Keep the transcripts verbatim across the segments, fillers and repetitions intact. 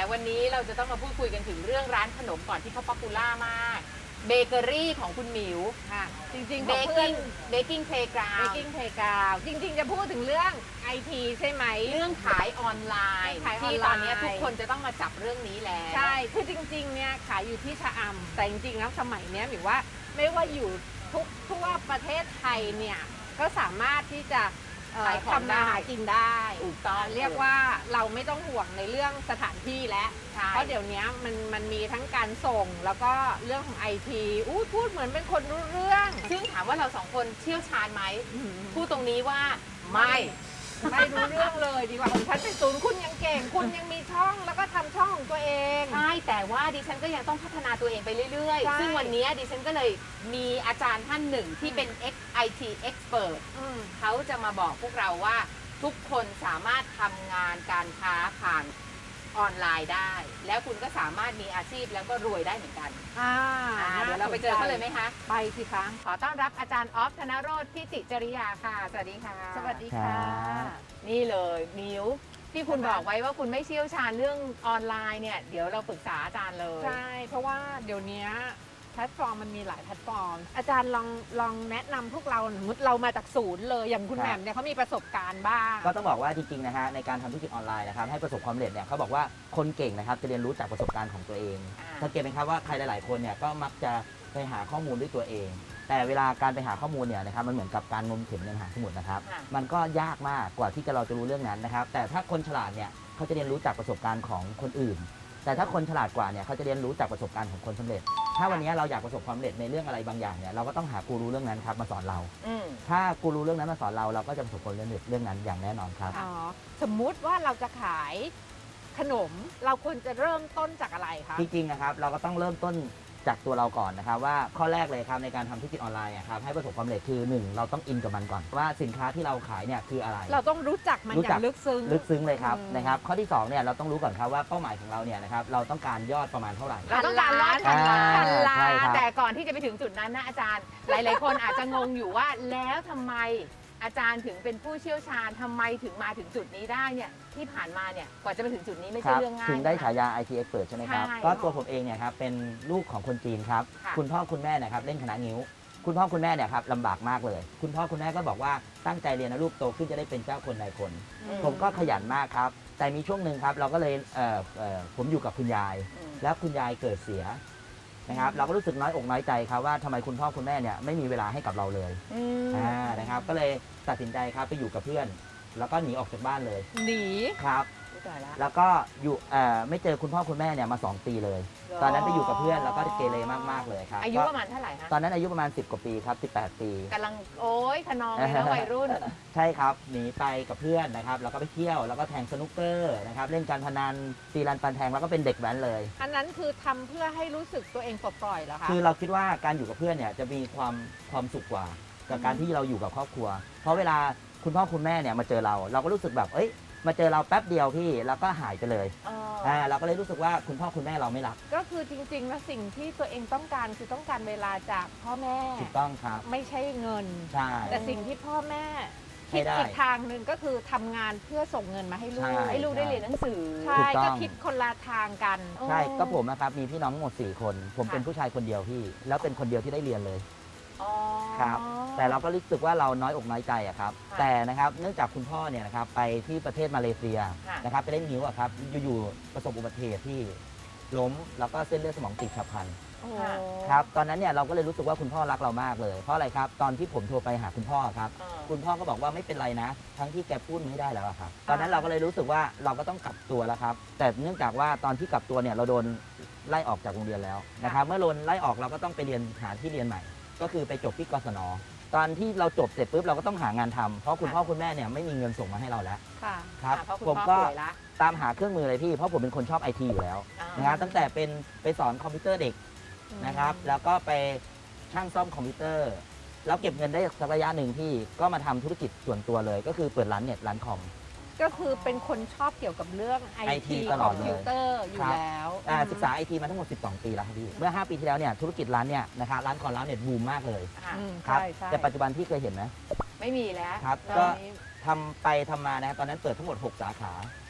วันนี้เราจะต้องมาพูดคุยกันถึงเรื่องร้านขนมก่อนที่เขาป๊อปปูล่ามากเบเกอรี่ของคุณหมิวค่ะจริงๆเบของกเพื่อกิ้นงเบกกิ้งเพลย์กราวเบกกิ้งเพลย์กราวจริงๆจะพูดถึงเรื่องไอทีใช่ไหมเรื่องขายออนไลน์ขายออนไลน์ที่ตอนนี้ทุกคนจะต้องมาจับเรื่องนี้แล้วใช่คือจริงๆเนี่ยขายอยู่ที่ชะอำแต่จริงๆแล้วสมัยเนี้ยหมิวว่าไม่ว่าอยู่ทุกทั่วประเทศไทยเนี่ยก็สามารถที่จะเอ่อขายของทำมาหากินได้ถูกต้องเรียกว่าเราไม่ต้องห่วงในเรื่องสถานที่แล้วใช่เพราะเดี๋ยวนี้มันมันมีทั้งการส่งแล้วก็เรื่องของไอทีอู้พูดเหมือนเป็นคนรู้เรื่องซึ่งถามว่าเราสองคนเชี่ยวชาญไหมพูดตรงนี้ว่าไม่ไม่รู้เรื่องเลยดีกว่าของฉันเป็นศูนย์คุณยังเก่ง คุณยังมีช่องแล้วก็ทำช่องของตัวเองใช่แต่ว่าดิฉันก็ยังต้องพัฒนาตัวเองไปเรื่อยใช่ๆ ซึ่งวันนี้ดิฉันก็เลยมีอาจารย์ท่านหนึ่งที่เป็น ไอ ที expert อืมเขาจะมาบอกพวกเราว่าทุกคนสามารถทำงานการค้าผ่านออนไลน์ได้ แล้วคุณก็สามารถมีอาชีพแล้วก็รวยได้เหมือนกันอ่าอ่าเดี๋ยวเราไปเจอเขาเลยไหมคะไปสิคะขอต้อนรับอาจารย์ออฟธนโรจน์พิติจริยาค่ะ สวัสดีค่ะสวัสดีค่ะนี่เลยมิวที่คุณบอกไว้ว่าคุณไม่เชี่ยวชาญเรื่องออนไลน์เนี่ยเดี๋ยวเราปรึกษาอาจารย์เลยใช่เพราะว่าเดี๋ยวนี้แพลตฟอร์มมันมีหลายแพลตฟอร์ม อาจารย์ลองลองแนะนำพวกเราสมมติเรามาจากศูนย์เลยอย่างคุณครับแหม่มเนี่ยเขามีประสบการณ์บ้างก็ต้องบอกว่าจริงๆนะฮะในการทำธุรกิจออนไลน์นะครับให้ประสบความสำเร็จเนี่ยเขาบอกว่าคนเก่งนะครับจะเรียนรู้จากประสบการณ์ของตัวเองอ่าสังเกตไหมครับว่าใครหลายๆคนเนี่ยก็มักจะไปหาข้อมูลด้วยตัวเอง แต่เวลาการไปหาข้อมูลเนี่ยนะครับมันเหมือนกับการงมเข็มในมหาสมุทรนะครับค่ะมันก็ยากมากกว่าที่จะเราจะรู้เรื่องนั้นนะครับแต่ถ้าคนฉลาดเนี่ยเขาจะเรียนรู้จากประสบการณ์ของคนอื่น แต่ถ้าคนฉลาดกว่าเนี่ยเขาจะเรียนรู้จากประสบการณ์ของคนสำเร็จ ถ้าวันนี้เราอยากประสบความสำเร็จในเรื่องอะไรบางอย่างเนี่ยเราก็ต้องหากูรูเรื่องนั้นครับมาสอนเราอืมถ้ากูรู้เรื่องนั้นมาสอนเราเราก็จะประสบความสำเร็จเรื่องนั้นอย่างแน่นอนครับอ๋อสมมุติว่าเราจะขายขนมเราควรจะเริ่มต้นจากอะไรคะจริงๆนะครับเราก็ต้องเริ่มต้นจากตัวเราก่อนนะครับว่าข้อแรกเลยครับในการทำธุรกิจออนไลน์อะครับให้ประสบความสำเร็จคือหนึ่งเราต้องอินกับมันก่อนว่าสินค้าที่เราขายเนี่ยคืออะไรเราต้องรู้จักมันรู้อจัย่าก งลึกซึ้งลึกซึ้งเลยครับอืมนะครับข้อที่สองเนี่ยเราต้องรู้ก่อนครับว่าเป้าหมายของเราเนี่ยนะครับเราต้องการยอดประมาณเท่าไหร่เราต้องการรอดพันล้านอ่าพันล้าใช่นครับแต่ก่อนที่จะไปถึงจุดนั้นนะอาจารย์ หลาย ๆ คนอาจจะงงอยู่ว่าแล้วทำไมอาจารย์ถึงเป็นผู้เชี่ยวชาญทำไมถึงมาถึงจุดนี้ได้เนี่ยที่ผ่านมาเนี่ยกว่าจะไปถึงจุดนี้ไม่คใช่รับเรื่องง่ายถึงได้นะคะฉายา ไอ ที Expert ใช่ไหมครับใช่ก็ตัวผมเองเนี่ยครับเป็นลูกของคนจีนครับค่ะคุณพ่อคุณแม่นะครับเล่นคณะงิ้ว คุณพ่อคุณแม่เนี่ยครับลำบากมากเลย คุณพ่อคุณแม่ก็บอกว่าตั้งใจเรียนนะลูกโตขึ้นจะได้เป็นเจ้าคนนายคนอืผมก็ขยันมากครับ แต่มีช่วงหนึ่งครับเราก็เลยเอ่อเอ่อผมอยู่กับคุณยายอืมแล้วคุณยายเกิดเสียนะครับเราก็รู้สึกน้อยอกน้อยใจครับว่าทำไมคุณพ่อคุณแม่เนี่ยไม่มีเวลาให้กับเราเลยอืมอ่านะครับก็เลยตัดสินใจครับไปอยู่กับเพื่อน แล้วก็หนีออกจากบ้านเลยหนีครับอุ๊ยตายละแล้วก็อยู่เอ่อไม่เจอคุณพ่อคุณแม่เนี่ยมาสองปีเลย ตอนนั้นไปอยู่กับเพื่อนแล้วก็เกเรมากๆเลยครับอายุก็ประมาณเท่าไหร่คะตอนนั้นอายุประมาณสิบกว่าปีครับสิบแปดปีกำลังโอ้ยขนองเลยนะวัยรุ่นใช่ครับหนีไปกับเพื่อนนะครับแล้วก็ไปเที่ยวแล้วก็แทงสนุกเกอร์นะครับเล่นการพนันตีรันปันแทงแล้วก็เป็นเด็กแว้นเลยอันนั้นคือทำเพื่อให้รู้สึกตัวเองปลดปล่อยเหรอคะคือเราคิดว่าการอยู่กับเพื่อนเนี่ยจะมีความความสุขกว่ากับการที่เราอยู่กับครอบครัว เพราะเวลาคุณพ่อคุณแม่เนี่ยมาเจอเรา เราก็รู้สึกแบบเอ้ยมาเจอเราแป๊บเดียวพี่แล้วก็หายไปเลยเอออ่าเราก็เลยรู้สึกว่าคุณพ่อคุณแม่เราไม่รักก็คือจริงๆแล้วสิ่งที่ตัวเองต้องการคือต้องการเวลาจากพ่อแม่ถูกต้องครับไม่ใช่เงินใช่แต่สิ่งที่พ่อแม่ให้คิดได้อีกทางหนึ่งก็คือทำงานเพื่อส่งเงินมาให้ลูกใช่ให้ลูกได้เรียนหนังสือใช่ถูกต้องก็คิดคนละทางกันใช่ก็ผมนะครับมีพี่น้องทั้งหมดสี่คน ผมเป็นผู้ชายคนเดียวพี่ แล้วเป็นคนเดียวที่ได้เรียนเลยอ๋อครับ แต่เราก็รู้สึกว่าเราน้อยอกน้อยใจอะครับค่ะแต่นะครับเนื่องจากคุณพ่อเนี่ยนะครับไปที่ประเทศมาเลเซียค่ะนะครับไปเล่นนิ้วอะครับอยู่ๆประสบอุบัติเหตุที่ล้มแล้วก็เส้นเลือดสมองตีบฉับพลันโอ้ครับตอนนั้นเนี่ยเราก็เลยรู้สึกว่าคุณพ่อรักเรามากเลย เพราะอะไรครับตอนที่ผมโทรไปหาคุณพ่อครับเออคุณพ่อก็บอกว่าไม่เป็นไรนะ ทั้งที่แกพูดไม่ได้แล้วอะครับ ตอนนั้นเราก็เลยรู้สึกว่าเราก็ต้องกลับตัวแล้วครับ แต่เนื่องจากว่าตอนที่กลับตัวเนี่ยเราโดนไล่ออกจากโรงเรียนแล้วนะครับ เมื่อโดนไล่ออกเราก็ต้องไปเรียนหาที่เรียนใหม่ ก็คือไปจบที่กศน ตอนที่เราจบเสร็จปุ๊บเราก็ต้องหางานทำเพราะคุณพ่อคุณแม่เนี่ยไม่มีเงินส่งมาให้เราแล้วค่ะครับอ่ะเพราะคุณผมพ่อก็ป่วยละตามหาเครื่องมือเลยพี่เพราะผมเป็นคนชอบไอทีอยู่แล้วอ่านะครับตั้งแต่เป็นไปสอนคอมพิวเตอร์เด็ก นะครับแล้วก็ไปช่างซ่อมคอมพิวเตอร์ แล้วเก็บเงินได้สักระยะหนึ่งที่ก็มาทำธุรกิจส่วนตัวเลย ก็คือเปิดร้านเน็ตร้านคอมก็คือเป็นคนชอบเกี่ยวกับเรื่องไอไอทีทีตลคออดมเลยพิวเตอร์อยู่ครับแล้วอ่าศึกษาไอทีมาทั้งหมดสิบสองปีแล้วครับพี่เมื่อห้าปีที่แล้วเนี่ยธุรกิจร้านเนี่ยนะครับร้านคอมร้านเน็ตบูมมากเลยค่ะอืมครับใช่ใช่แต่ปัจจุบันพี่เคยเห็นไหมไม่มีแล้วครับตอนก็นี้ทำไปทำมานะครับตอนนั้นเปิดทั้งหมดหกสาขา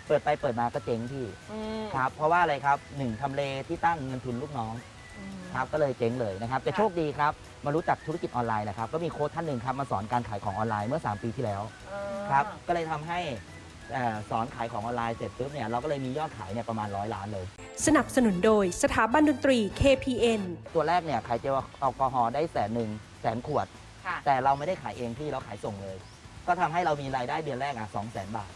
เปิดไปเปิดมาก็เจ๊งพี่อืมครับเพราะว่าอะไรครับหนึ่งทำเลที่ตั้งเงินทุนลูกน้องอืมครับก็เลยเจ๊งเลยนะครับแต่ค่ะโชคดีครับมารู้จักธุรกิจออนไลน์นะครับก็มีโค้ชท่านหนึ่งครับมาสอนการขายของออนไลน์เมื่อสามปีที่แล้วเออครับก็เลยทำให้เอ่อสอนขายของออนไลน์เสร็จปุ๊บเนี่ยเราก็เลยมียอดขายเนี่ยประมาณร้อยล้านเลยสนับสนุนโดยสถาบันดนตรี เค พี เอ็นตัวแรกเนี่ยขายเจลแอลกอฮอล์ได้แสนหนึ่งแสนขวดค่ะแต่เราไม่ได้ขายเองพี่เราขายส่งเลย ก็ทำให้เรามีรายได้เดือนแรกอ่ะสองแสนบาท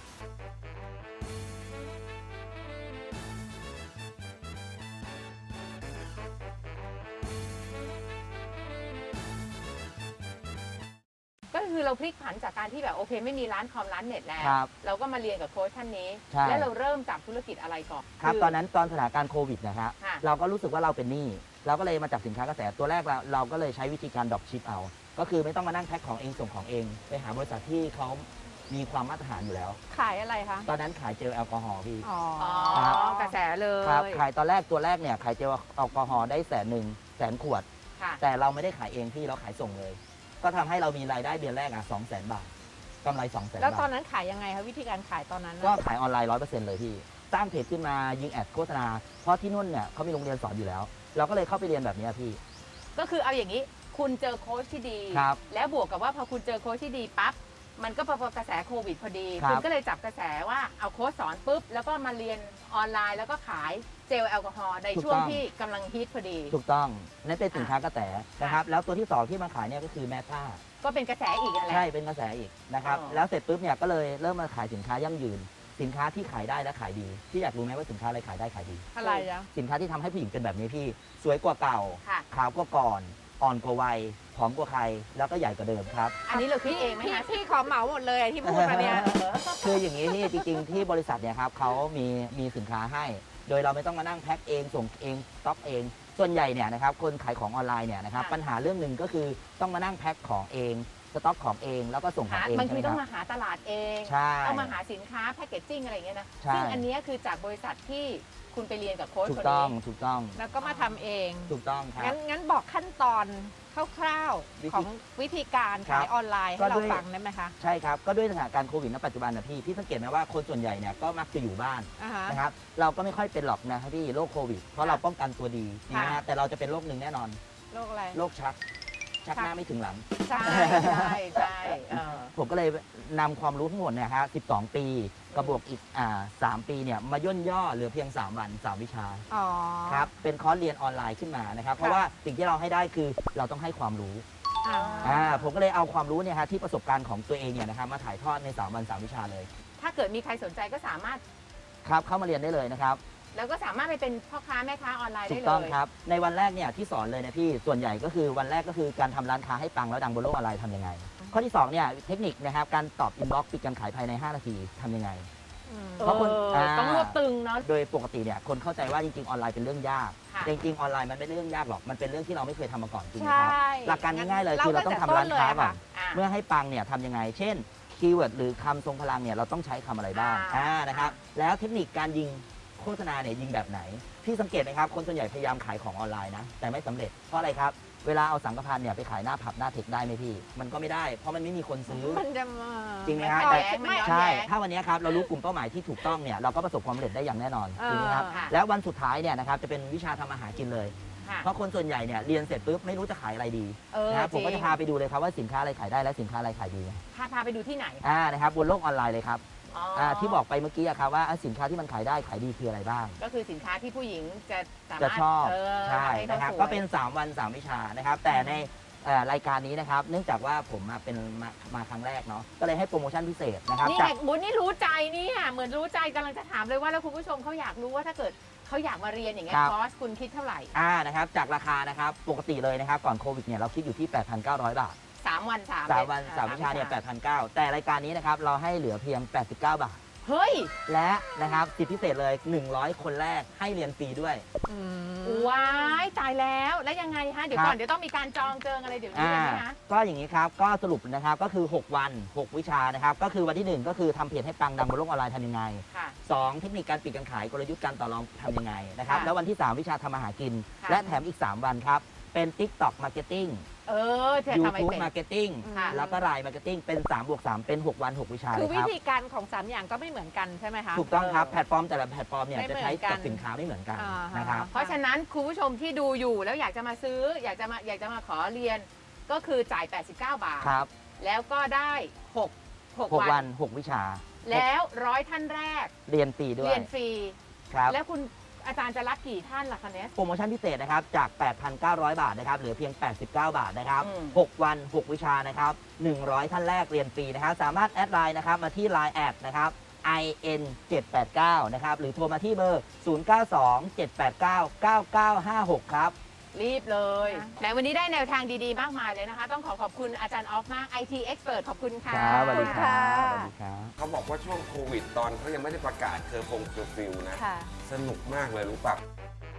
ก็คือเราพลิกผันจากการที่แบบโอเคไม่มีร้านคอมร้านเน็ตแล้วครับเราก็มาเรียนกับโค้ชท่านนี้ใช่แล้วเราเริ่มจากธุรกิจอะไรก่อนครับอตอนนั้นตอนสถานการณ์โควิดนะครับค่ะเราก็รู้สึกว่าเราเป็นหนี้เราก็เลยมาจับสินค้ากระแสตัวแรกเราเราก็เลยใช้วิธีการดรอปชิปเอา ก็คือไม่ต้องมานั่งแพ็คของเองส่งของเอง ไปหาบริษัทที่เขามีความมาตรฐานอยู่แล้วขายอะไรคะตอนนั้นขายเจลแอลกอฮอล์พี่อ๋ออ๋อครับกระแสเลยครับขายตอนแรกตัวแรกเนี่ยขายเจลแอลกอฮอล์ได้แสนหนึ่งแสนขวดค่ะแต่เราไม่ได้ขายเองพี่เราขายส่งเลย ก็ทำให้เรามีรายได้เดือนแรกอ่ะสองแสนบาทกำไรสองแสนแล้วตอบาน ทนั้นขายยังไงคะวิธีการขายตอนนั้นน่ะก็ขายออนไลน์ร้อยเปอร์เซ็นต์เลยพี่สร้างเพจขึ้นมายิงแอดโฆษณาเพราะที่นู่นเนี่ยเขามีโรงเรียนสอนอยู่แล้ว เราก็เลยเข้าไปเรียนแบบเนี้ยพี่ก็คือเอาอย่างนี้คุณเจอโค้ชที่ดีครับแล้วบวกกับว่าพอคุณเจอโค้ชที่ดีปั๊บมันก็พอกระแสโควิดพอดีครับคุณก็เลยจับกระแสว่าเอาโค้ชสอนปุ๊บแล้วก็มาเรียนออนไลน์ แล้วก็ขายเจลแอลกอฮอล์ในช่วงที่กำลังฮิตพอดีถูกต้องนั่นเป็นสินค้ากระแสนะครับแล้วตัวที่สองที่มาขายเนี่ยก็คือแมท่าก็เป็นกระแสอีกนั่นแหละใช่เป็นกระแสอีกนะครับอ๋อแล้วเสร็จปุ๊บเนี่ยก็เลยเริ่มมาขายสินค้ายั่งยืน สินค้าที่ขายได้และขายดีพี่อยากรู้ไหมว่าสินค้าอะไรขายได้ขายดีอะไรอะสินค้าที่ทำให้ผู้หญิงเป็นแบบนี้พี่สวยกว่าเก่าค่ะขาวกว่าก่อน อ่อนกว่าวัยผอมกว่าใคร แล้วก็ใหญ่กว่าเดิมครับอันนี้เราคิดเองไหมพี่คะพี่ขอเหมาหมดเลยที่พูดมาเนี่ยคืออย่างนี้ที่จริงๆที่บริษัทเนี่ยครับเขามีมีสินค้าให้ โดยเราไม่ต้องมานั่งแพ็คเองส่งเองสต็อกเอง ส่วนใหญ่เนี่ยนะครับคนขายของออนไลน์เนี่ยนะครับค่ะปัญหาเรื่องหนึ่งก็คือต้องมานั่งแพ็คของเองสต็อกของเองแล้วก็ส่งของหาเองบางใช่ทีไหมต้องคมารับหาตลาดเองใช่ต้องมาหาสินค้าแพคเกจจิ้งอะไรอย่างเงี้ยนะใช่ซึ่งอันเนี้ยคือจากบริษัทที่คุณไปเรียนกับโค้ชถูคกนต้องนี้ถูกต้องแล้วก็มาทำเองถูกต้องครับงั้นงั้นบอกขั้นตอนคร่าววิธีๆของวิธีการครัขายบออนไลน์ก็ให้เราด้วยฟังได้ไหมคะใช่ครับก็ด้วยสถานการณ์โควิดณปัจจุบันนะพี่พี่สังเกตไหมว่าคนส่วนใหญ่เนี่ยก็มักจะอยู่บ้านอ่าฮะนะครับเราก็ไม่ค่อยเป็นหรอกนะครับพี่โรคโควิด เพราะเราป้องกันตัวดีนะฮะแต่เราจะเป็นโรคหนึ่งแน่นอนโรคอะไรโรคชัก ชักหน้าไม่ถึงหลังใช่ใช่ใช่เออผมก็เลยนำความรู้ทั้งหมดเนี่ยฮะสิบสอง ปีกับบวกอีกอ่าสามปีเนี่ยมาย่นย่อเหลือเพียง สาม วัน สาม วิชาอ๋อครับเป็นคอร์สเรียนออนไลน์ขึ้นมานะครับเพราะว่าสิ่งที่เราให้ได้คือเราต้องให้ความรู้อ่าอ่าผมก็เลยเอาความรู้เนี่ยฮะที่ประสบการณ์ของตัวเองเนี่ยนะครับมาถ่ายทอดใน สาม วัน สาม วิชาเลยถ้าเกิดมีใครสนใจก็สามารถครับเข้ามาเรียนได้เลยนะครับแล้วก็สามารถไปเป็นพ่อค้าแม่ค้าออนไลน์ถูได้กเลต้องยครับในวันแรกเนี่ยที่สอนเลยนะพี่ส่วนใหญ่ก็คือวันแรกก็คือการทำร้านค้าให้ปังแล้วดังบนโลกออนไลน์ทำยังไง ข้อที่สองเนี่ยเทคนิคนะครับการตอบอินบ็อกซ์ปิดการขายภายใน ห้า นาทีทำยังไงอืมเพราะคนเอออ่าต้องรวบตึงเนาะโดยปกติเนี่ยคนเข้าใจว่าจริงๆออนไลน์เป็นเรื่องยากค่ะแต่จริงๆออนไลน์มันไม่ได้เรื่องยากหรอกมันเป็นเรื่องที่เราไม่เคยทำมาก่อนจริงไหมใช่ครับหลักการง่ายๆเลยคือเราต้องทำร้านค้าก่อนอ่ะเมื่อให้ปังเนี่ยทำยังไง เช่นคีย์เวิร์ดหรือคำทรงพลังเนี่ยเราต้องใช้คำอะไรบ้างอ่าอ่านะครับแล้วเทคนิคการยิงโฆษณาเนี่ยยิงแบบไหนพี่สังเกตไหมครับคนส่วนใหญ่พยายามขายของออนไลน์นะแต่ไม่สำเร็จเพราะอะไรครับเวลาเอาสังกพันเนี่ยไปขายหน้าผับหน้าเทคได้ไหมพี่ มันก็ไม่ได้เพราะมันไม่มีคนซื้อมันจะมาจริงไหมฮะต่อแต่ยไม่ใช่ ถ้าวันนี้ครับเรารู้กลุ่มเป้าหมายที่ถูกต้องเนี่ยเราก็ประสบความสำเร็จได้อย่างแน่นอนเออจริงไหมครับค่ะแล้ววันสุดท้ายเนี่ยนะครับจะเป็นวิชาทำอาหารกินเลยค่ะเพราะคนส่วนใหญ่เนี่ยเรียนเสร็จปุ๊บไม่รู้จะขายอะไรดีเออนะครับผมก็จริจะงพาไปดูเลยครับว่าสินค้าอะไรขายได้และสินค้าอะไรขายดีพาพาไปดูที่ไหนอ่านะครับบนโลกออนไลน์เลยครับอ๋อออ่าที่บอกไปเมื่อกี้อะครับว่าอ่ะสินค้าที่มันขายได้ขายดีคืออะไรบ้างก็คือสินค้าที่ผู้หญิงจะสามารถจะชอบเออใช่ให้ขานะครับสวยก็เป็น สาม วัน สาม วิชานะครับแต่ในเอ่อรายการนี้นะครับเนื่องจากว่าผมมาเป็นมามาครั้งแรกเนาะก็เลยให้โปรโมชั่นพิเศษนะครับนี่จากไงบุญนี่รู้ใจเนี่ยเหมือนรู้ใจกำลังจะถามเลยว่าแล้วคุณผู้ชมเขาอยากรู้ว่าถ้าเกิดเขาอยากมาเรียนอย่างเงี้ยครับคอร์สคุณคิดเท่าไหร่อ่านะครับจากราคานะครับปกติเลยนะครับก่อนโควิดเนี่ยเราคิดอยู่ที่ แปดพันเก้าร้อย บาทสามวันสามสามวันอ่สามวิชาเนี่ยแปดพันเก้าร้อยแต่รายการนี้นะครับเราให้เหลือเพียง แปดสิบเก้า บาทเฮ้ยและนะครับสิทธิพิเศษเลย หนึ่งร้อย คนแรกให้เรียนฟรีด้วยอืมว้ายตายแล้วแล้วยังไงฮะเดี๋ยวครับก่อนเดี๋ยวต้องมีการจองเจิงอะไรเดี๋ยวนี้อ่าใช่ไหมคะก็อย่างนี้ครับก็สรุปนะครับก็คือ หก วัน หก วิชานะครับก็คือวันที่หนึ่งก็คือทำเพจให้ปังดังบนโลกออนไลน์ทำยังไงค่ะสองเทคนิคการปิดการขายกลยุทธ์การต่อรองทำยังไงนะครับค่ะแล้ววันที่ สาม วิชาทำอาหารกินค่ะและแถมอีก สาม วันครับ เป็น TikTok Marketing เออเธอทำไม YouTube เป็น Marketing ค่ะแล้วก็ Line Marketing เป็นสามบวกสามเป็นหกวันหกวิชาคืเลอยควิรับธีการของสามอย่างก็ไม่เหมือนกันใช่ไหมคะถูกต้องครับ แพลตฟอร์มแต่ละแพลตฟอร์มเนี่ยไม่จะเหมืใช้อนกันกับสินค้าไม่เหมือนกันอ่าฮะนะครับเพราะฉะนั้นคุณผู้ชมที่ดูอยู่แล้วอยากจะมาซื้อ อยากจะมาอยากจะมาขอเรียนก็คือจ่าย แปดสิบเก้า บาทครับแล้วก็ได้หก หกหกวัวัน นหกวิชาแล้วร้อยท่านแรกเรียนฟรีด้วเรียยนฟรีครับแล้วคุณอาจารย์จะรับกี่ท่านล่ะคะเนสโปรโมชั่นพิเศษนะครับ จาก แปดพันเก้าร้อย บาทนะครับ เหลือเพียง แปดสิบเก้า บาทนะครับอืมหก วัน หก วิชานะครับ หนึ่งร้อย ท่านแรกเรียนฟรีนะครับ สามารถแอดไลน์นะครับ มาที่ ไลน์ แอดนะครับ ไอ เอ็น เจ็ดแปดเก้า นะครับ หรือโทรมาที่เบอร์ ศูนย์ เก้า สอง เจ็ด แปด เก้า เก้า เก้า ห้า หก ครับรีบเลยนะแต่วันนี้ได้แนวทางดีๆ มากมายเลยนะคะ ต้องขอขอบคุณอาจารย์ออฟมาก ไอ ที Expert ขอบคุณค่ะครับสวัสดีขอบคุณครัค่ะบสวัสดีครับเขาบอกว่าช่วงโควิดตอนเขายังไม่ได้ประกาศเคอร์ฟงเคอร์ฟิวนะค่ะสนุกมากเลยรู้ป่ะ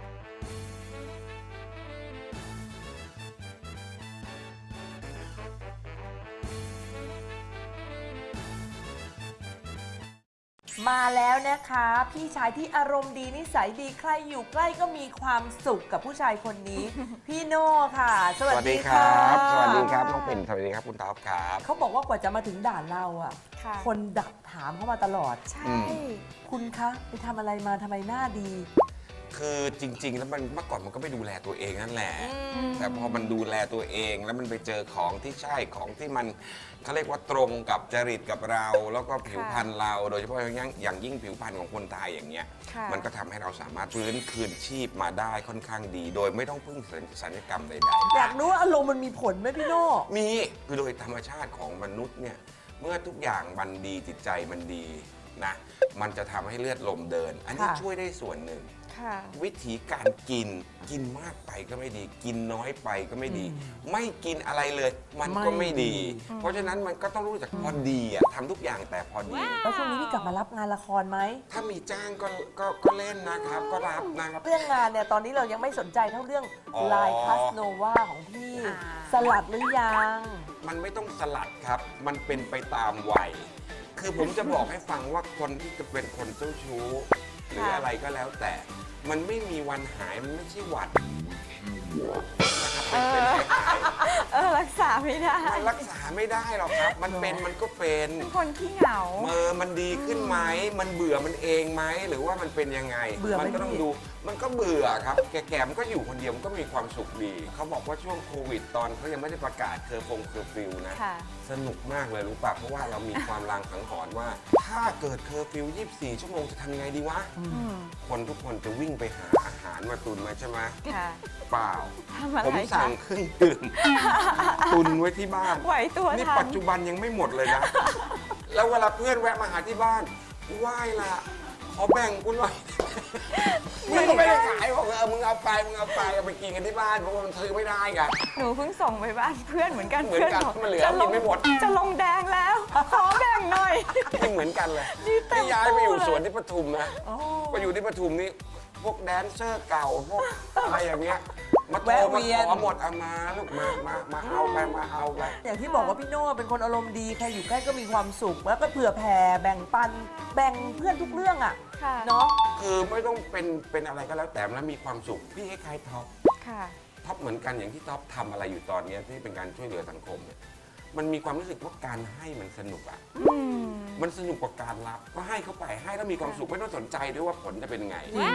มาแล้วนะคะ พี่ชายที่อารมณ์ดีนิสัยดีใครอยู่ใกล้ก็มีความสุขกับผู้ชายคนนี้ พี่โน่ค่ะ สวัสดีคค่ะรับ สวัสดีครับน้องปิ่นสวัสดีครับคุณท็อปครับเขาบอกว่ากว่าจะมาถึงด่านเราอ่ะค่ะคนดักถามเข้ามาตลอดใช่อืมคุณคะไปทำอะไรมาทำไมหน้าดีคือจริง ๆ แล้วมันเมื่อก่อนมันก็ไม่ดูแลตัวเองนั่นแหละ แต่พอมันดูแลตัวเองแล้วมันไปเจอของที่ใช่ของที่มันเขาเรียกว่าตรงกับจริตกับเรา แล้วก็ผิวพรรณเรา โดยเฉพาะอย่างยิ่งอย่างยิ่งผิวพรรณของคนไทยอย่างเงี้ยค่ะมันก็ทำให้เราสามารถฟื้นคืนชีพมาได้ค่อนข้างดี โดยไม่ต้องพึ่งศัลยกรรมใดอยากรู้ว่าอารมณ์มันมีผลไหมพี่โน่ๆมีคือโดยธรรมชาติของมนุษย์เนี่ยเมื่อทุกอย่างมันดีจิตใจมันดีนะมันจะทำให้เลือดลมเดิน อันนี้ช่วยได้ส่วนหนึ่งค่ะวิธีการกินกินมากไปก็ไม่ดี กินน้อยไปก็ไม่ดี ไม่กินอะไรเลย มันก็ไม่ดี เพราะฉะนั้นมันก็ต้องรู้จักพอดีอะทำทุกอย่างแต่พอดีแล้วช่วงนี้พี่กลับมารับงานละครไหมถ้ามีจ้างก็ก็ก็เล่นนะครับ ก็รับนะครับเรื่องงานเนี่ยตอนนี้เรายังไม่สนใจเท่าเรื่องอ๋อลายคาสโนวาของพี่อ่าสลัดหรือยังมันไม่ต้องสลัดครับ มันเป็นไปตามวัย คือผมจะบอกให้ฟังว่าคนที่จะเป็นคนเจ้าชู้ หรืออะไรก็แล้วแต่ มันไม่มีวันหาย มันไม่ใช่หวัดนะครับเป็นเป็นหายเออรักษาไม่ได้มันรักษาไม่ได้หรอกครับ มันเป็นมันก็เป็นเป็นคนขี้เหงาเออมันดีขึ้นไหม มันเบื่อมันเองไหม หรือว่ามันเป็นยังไงเบื่อไหมมันก็ต้องพี่ดู มันก็เบื่อครับ แก่ๆมันก็อยู่คนเดียวมันก็มีความสุขดี เขาบอกว่าช่วงโควิดตอนเขายังไม่ได้ประกาศเคอร์ฟงเคอร์ฟิวนะค่ะสนุกมากเลยรู้ป่ะ เพราะว่าเรามีความรางสังหรณ์ว่า ถ้าเกิดเคอร์ฟิวยี่สิบสี่ ชั่วโมงจะทำยังไงดีวะอืมคนทุกคนจะวิ่งไปหาอาหารมาตุนมาใช่ไหมค่ะเปล่าทำอะไรผมสั่งเครื่องดื่ม ตุนไว้ที่บ้านไหวตัวนี่ทัปันจจุบันยังไม่หมดเลยนะ แล้วเวลาเพื่อนแวะมาหาที่บ้านไหว้ละขอแบ่งกูหน่อยมึงก็ไม่ได้ขายบอกเออมึงเอาไปมึงเอาไปเอาไปกินกันที่บ้านเพราะว่ามันซื้อไม่ได้ไงหนูเพิ่งส่งไปบ้านเพื่อนเหมือนกันเหมือนกันบมันเหลือจะลกิงนไม่หมดจะลงแดงแล้ว ขอแบ่งหน่อยนี่เหมือนกันเลยนี่เต็มที่ย้ายไปอยู่ตู้เลยสวนที่ปทุมนะโอ้ไปอยู่ที่ปทุมนี่พวกแดนเซอร์เก่าพวกอะไรอย่างเงี้ยมาโทรแวะมาเวียนขอหมดเอามาลูกมามามาเอาไปมาเอาไปอย่างที่บอกว่าพี่โน่เป็นคนอารมณ์ดีใครอยู่ใกล้ก็มีความสุข แล้วก็เผื่อแผ่แบ่งปันแบ่งเพื่อนทุกเรื่องอ่ะค่ะเนาะคือไม่ต้องเป็นเป็นอะไรก็แล้วแต่แล้วมีความสุขพี่คล้ายๆท็อปค่ะท็อปเหมือนกันอย่างที่ท็อปทำอะไรอยู่ตอนเนี้ยที่เป็นการช่วยเหลือสังคมเนี่ยมันมีความรู้สึกว่าการให้มันสนุกอ่ะอืมมันสนุกกว่าการรับก็ให้เขาไปให้แล้วมีความสุขไม่ต้องสนใจด้วยว่าผลจะเป็นไงว้าว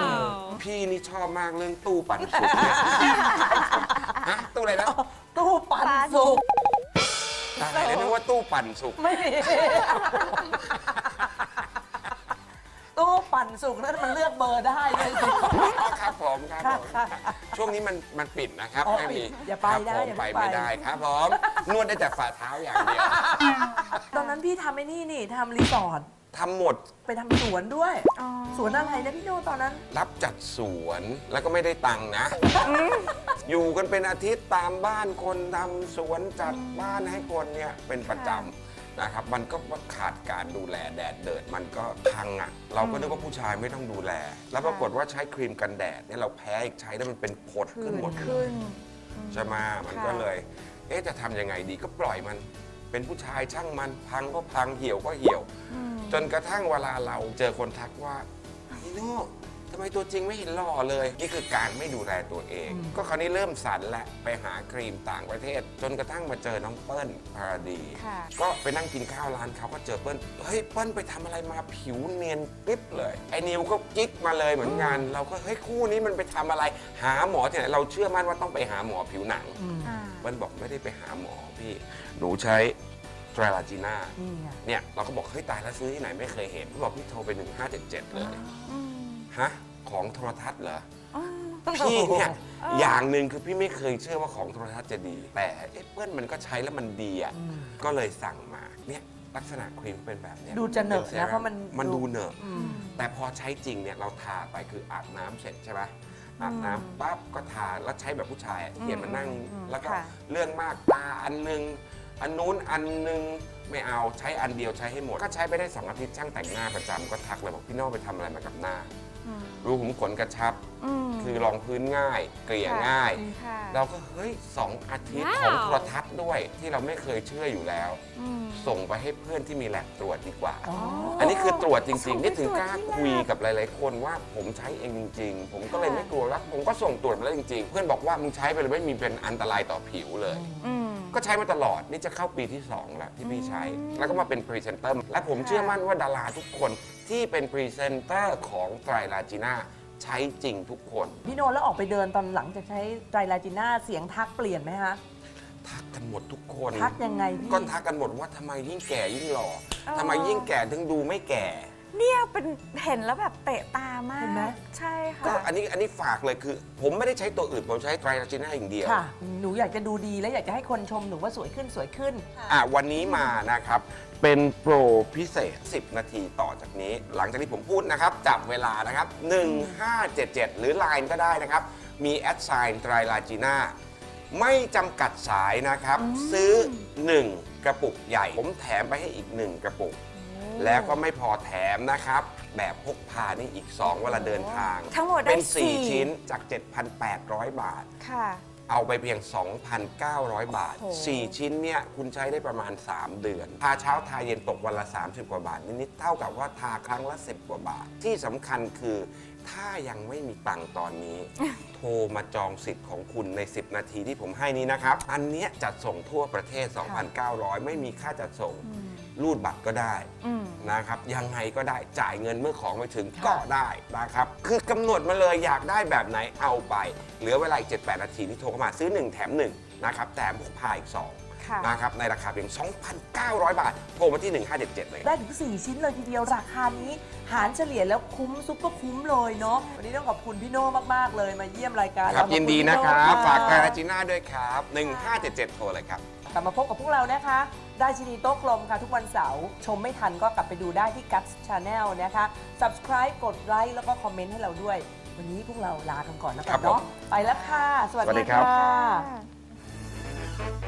พี่นี่ชอบมากเรื่องตู้ปันสุกเนี่ยฮะตู้อะไรนะตู้ปันสุกตายแล้วนึกว่าตู้ปั่นสุกไม่มีตู้ปั่นสุกนั่นมันเลือกเบอร์ได้เลยสิอ๋อครับผมครับผมค่ะช่วงนี้มันมันปิดนะครับอ๋อไม่มีปิดอย่าไปครับนะผมอย่าไปเพิ่งไปไม่ได้ครับผมนวดได้แต่ฝ่าเท้าอย่างเดียวตอนนั้นพี่ทำไอ้นี่นี่ทำรีสอร์ททำหมดไปทำสวนด้วยอ๋อสวนอะไรนะพี่โน่ตอนนั้นรับจัดสวนแล้วก็ไม่ได้ตังค์นะ อยู่กันเป็นอาทิตย์ตามบ้านคนทำสวนจัดบ้านให้คนเนี่ยเป็นประจำนะครับ มันก็ขาดการดูแลแดดเดิดมันก็พังอ่ะ เราก็นึกว่าผู้ชายไม่ต้องดูแล แล้วปรากฏว่าใช้ครีมกันแดดเนี่ยเราแพ้อีกใช้แล้วมันเป็นผดขึ้นหมดเลยขึ้นใช่ไหมมันค่ะก็เลย เอ๊ะจะทำยังไงดีก็ปล่อยมัน เป็นผู้ชายช่างมันพังก็พังเหี่ยวก็เหี่ยวอืมจนกระทั่งเวลาเราเจอคนทักว่าพี่โน่เธทำไมตัวจริงไม่เห็นหล่อเลย นี่คือการไม่ดูแลตัวเอง ก็คราวนี้เริ่มสันและไปหาครีมต่างประเทศ จนกระทั่งมาเจอน้องเปิ้ลภารดีค่ะก็ไปนั่งกินข้าวร้านเขาก็เจอเปิ้ลเฮ้ยเปิ้ลไปทำอะไรมาผิวเนียนปิ๊บเลยไอ้นิวก็กิ๊กมาเลยเหมือนกันเราก็เฮ้ยคู่นี้มันไปทำอะไรหาหมอที่ไหนเราเชื่อมั่นว่าต้องไปหาหมอผิวหนัง เปิ้ลบอกไม่ได้ไปหาหมอพี่หนูใช้ไตรลาจีน่านี่ไงเนี่ยเราก็บอกเฮ้ยตายแล้วซื้อที่ไหนไม่เคยเห็นเขาบอกพี่โทรไปหนึ่งห้าเจ็ดเจ็ดเลยฮะของโทรทัศน์เหรอพี่เนี่ยอย่างหนึ่งคือพี่ไม่เคยเชื่อว่าของโทรทัศน์จะดี แต่เอ๊ะเปิ้ลมันก็ใช้แล้วมันดีอ่ะก็เลยสั่งมาเนี่ยลักษณะครีมเป็นแบบเนี้ยดูจะเหนอะป็ซนะเพราะมันมันดูเหนอะอืมแต่พอใช้จริงเนี่ยเราทาไปคืออาบน้ำเสร็จใช่ไหมอาบน้ำปั๊บก็ทาแล้วใช้แบบผู้ชายอะเขียนมานั่ง แล้วก็ค่ะเรื่องมากตาอันหนึง อันนู้นอันหนึงไม่เอาใช้อันเดียวใช้ให้หมด ก็ใช้ไปได้สองอาทิตย์ช่างแต่งหน้าประจำก็ทักเลยบอกพี่โน่ไปทำอะไรมากับหน้า รูขุมขนกระชับ คือรองพื้นง่าย เกลี่ยง่ายค่ะเราก็เฮ้ยสองอาทิตย์ว้าวของโทรทัศน์ด้วยที่เราไม่เคยเชื่ออยู่แล้ว ส่งไปให้เพื่อนที่มีแลบตรวจดีกว่าอ๋ออันนี้คือตรวจจริงส่งๆไปนี่ถึงตรวจกล้าที่คุยแลบกับหลาย ๆ คนว่าผมใช้เองจริง ๆ ผมก็เลยค่ะไม่กลัวแล้วผมก็ส่งตรวจมาแล้วจริง ๆ เพื่อนบอกว่ามึงใช้ไปเลยไม่มีเป็นอันตรายต่อผิวเลย ก็ใช้มาตลอดนี่จะเข้าปีที่สองแล้วที่พี่ใช้ แล้วก็มาเป็นพรีเซนเตอร์และผมเชื่อมั่นว่าดาราทุกคนที่เป็นพรีเซนเตอร์ของไตรลาจีน่าใช้จริงทุกคนพี่โนแล้วออกไปเดินตอนหลังจากใช้ไตรลาจีน่าเสียงทักเปลี่ยนไหมคะทักกันหมดทุกคนทักยังไงพี่ก็ทักกันหมดว่าทำไมยิ่งแก่ยิ่งหล่อทำไมยิ่งแก่ถึงดูไม่แก่เนี่ยเป็นเห็นแล้วแบบเตะตามากเห็นไหมใช่ค่ะก็อันนี้อันนี้ฝากเลยคือ ผมไม่ได้ใช้ตัวอื่น ผมใช้ไตรลาจีน่าอย่างเดียวค่ะ หนูอยากจะดูดีและอยากจะให้คนชมหนูว่าสวยขึ้นสวยขึ้นอ่ะวันนี้มานะครับ เป็นโปรพิเศษ สิบ นาทีต่อจากนี้ หลังจากที่ผมพูดนะครับ จับเวลานะครับ หนึ่งห้าเจ็ดเจ็ด หรือ ไลน์ ก็ได้นะครับ มีแอดไซน์ไตรลาจีน่าไม่จำกัดสายนะครับ ซื้อ หนึ่ง กระปุกใหญ่ ผมแถมไปให้อีก หนึ่ง กระปุก แล้วก็ไม่พอแถมนะครับ แบบพกพานี่อีก สอง เวลาเดินทางทั้งหมดได้เป็น สี่สี่ชิ้นจาก เจ็ดพันแปดร้อย บาทค่ะเอาไปเพียง สองพันเก้าร้อย บาทโอ้โหสี่ ชิ้นเนี่ยคุณใช้ได้ประมาณ สาม เดือน ทาเช้าทาเย็นตกวันละ สามสิบ กว่าบาท นิดๆเท่ากับว่าทาครั้งละ สิบ กว่าบาท ที่สำคัญคือถ้ายังไม่มีตังค์ตอนนี้ โทรมาจองสิทธิ์ของคุณใน สิบ นาทีที่ผมให้นี้นะครับ อันเนี้ยจัดส่งทั่วประเทศ สองพันเก้าร้อย ไม่มีค่าจัดส่ง รูดบัตรก็ได้อืมนะครับยังไงก็ได้จ่ายเงินเมื่อของไปถึงก็ได้นะครับ คือกำหนดมาเลยอยากได้แบบไหนเอาไป เหลือเวลาอีก เจ็ดแปด นาทีที่โทรเข้ามาซื้อ หนึ่ง แถม หนึ่ง นะครับแถมพกพาอีกสองค่ะนะครับในราคาเพียง สองพันเก้าร้อย บาท โทรมาที่ หนึ่งห้าเจ็ดเจ็ด เลยได้ถึง สี่ ชิ้นเลยทีเดียวราคานี้ หารเฉลี่ยแล้วคุ้มซุปเปอร์คุ้มเลยเนาะวันนี้ต้องขอบคุณพี่โน่มากๆเลยมาเยี่ยมรายการครับเาขอณยินดีพี่นะโครับ ฝากะไตรลาจีน่าด้วยครับ หนึ่งห้าเจ็ดเจ็ด โทรเลยครับกลับมาพบกับพวกเรานะคะได้ชินีโต๊ะกลมค่ะทุกวันเสาร์ชมไม่ทันก็กลับไปดูได้ที่ Guts Channel นะคะ Subscribe กดไลค์แล้วก็คอมเมนต์ให้เราด้วย วันนี้พวกเราลากันก่อนแล้วกัครันบเนาะผมไปแล้วค่ะ สวัสสวัสดีดีครับค่ะค่ะ